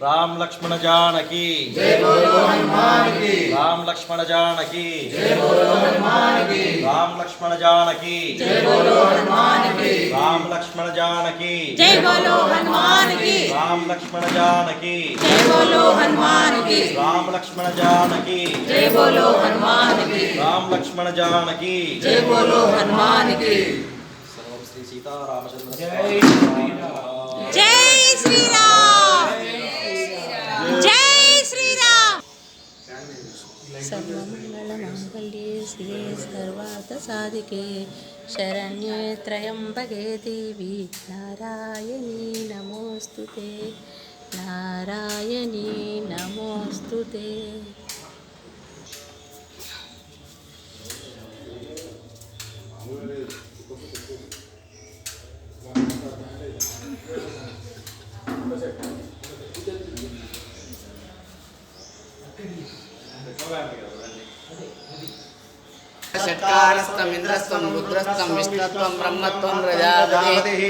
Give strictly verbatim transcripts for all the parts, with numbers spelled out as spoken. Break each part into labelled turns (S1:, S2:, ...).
S1: राम लक्ष्मण जानकी
S2: जय बोलो हनुमान की।
S1: राम लक्ष्मण जानकी
S2: जय बोलो हनुमान की।
S1: राम लक्ष्मण जानकी
S2: जय बोलो हनुमान की।
S1: राम लक्ष्मण जानकी
S3: जय बोलो हनुमान की।
S1: राम लक्ष्मण जानकी
S3: जय बोलो हनुमान की।
S1: राम लक्ष्मण जानकी
S3: जय बोलो हनुमान की।
S1: राम लक्ष्मण जानकी
S3: जय बोलो हनुमान की।
S1: सर्वं श्री सीता रामचंद्र
S2: जय
S3: जय श्री राम। जय श्री राम। सर्वमंगलमांगल्ये शिवे सर्वार्थसाधिके शरण्ये त्र्यंबके देवी नारायणी नमोस्तुते नारायणी नमोस्तुते।
S4: षट्कारस्तमिन्द्रस्त्वं रुद्रस्त्वं विष्णुत्वं ब्रह्मत्वं प्रजापतिः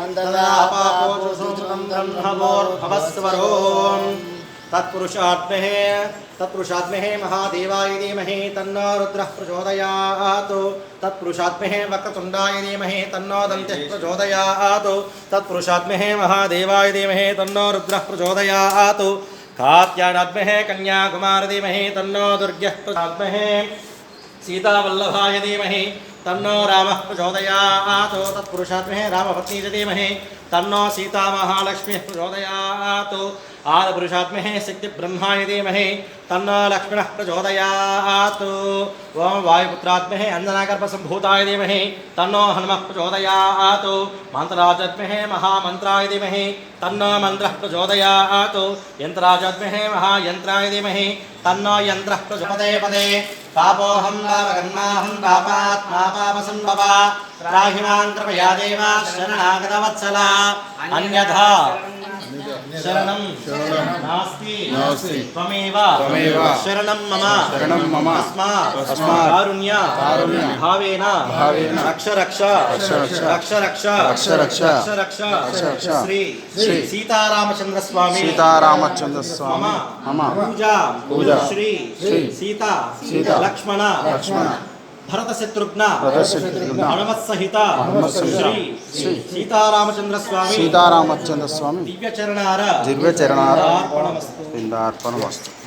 S1: तत्पुरुषात्महे तत्पुरुषात्महे महादेवाय धीमहि तन्नो रुद्रः प्रचोदयात् तत्पुरुषात्महे वक्रतुण्डाय धीमहि तन्नो दन्तिः प्रचोदयात् तत्पुरुषात्महे महादेवाय धीमहि तन्नो रुद्रः प्रचोदयात् कात्यायनात्महे कन्याकुमार धीमहि तन्नो दुर्गः प्रचोदयात् सीतावल्लभाय धीमहि तन्नो रामः प्रचोदयात् तत्पुरुषात्महे रामपत्नी च धीमहि तन्नो सीता महालक्ष्मीः प्रचोदयात् आदिपुरुषात्महे शक्तिब्रह्माय धीमहि तन्नो लक्ष्मणः प्रचोदयात् ओम वायुपुत्रात्महे अंजनागर्भसम्भूताय धीमहि तन्नो हनुमः प्रचोदयात् मंत्रराजात्महे महामन्त्राय धीमहि तन्नो मन्त्रः प्रचोदयात् यन्त्रराजात्महे महायन्त्राय धीमहि तन्नो यन्त्रः प्रचोदयात् पदे पापोऽहं पापकर्माहं पापात्मा पापसम्भवा त्राहि मां कृपया देव शरणागतवत्सला अन्यथा शरणं नास्ति
S5: नास्ति
S1: त्वमेव
S5: त्वमेव
S1: शरणं मम
S5: शरणं मम
S1: तस्मात्
S5: तस्मात्
S1: कारुण्य
S5: कारुण्य
S1: भावेन
S5: भावेन
S1: रक्ष रक्ष
S5: रक्ष रक्ष
S1: रक्ष रक्ष
S5: रक्ष रक्ष
S1: रक्ष रक्ष
S5: रक्ष रक्ष
S1: श्री
S5: श्री
S1: सीतारामचंद्र स्वामी
S5: सीतारामचंद्र स्वामी
S1: मम
S5: मम
S1: पूजा
S5: पूजा
S1: श्री
S5: श्री
S1: सीता
S5: सीता
S1: लक्ष्मण
S5: लक्ष्मण
S1: भरत शत्रुघ्न
S5: भरत शत्रुघ्न
S1: हनुमत सहित
S5: हनुमत सहित
S1: श्री
S5: श्री
S1: सीतारामचंद्र स्वामी
S5: सीतारामचंद्र स्वामी
S1: दिव्य चरणार
S5: दिव्य चरणार
S1: अर्पणमस्तु
S5: पिंडार्पणमस्तु।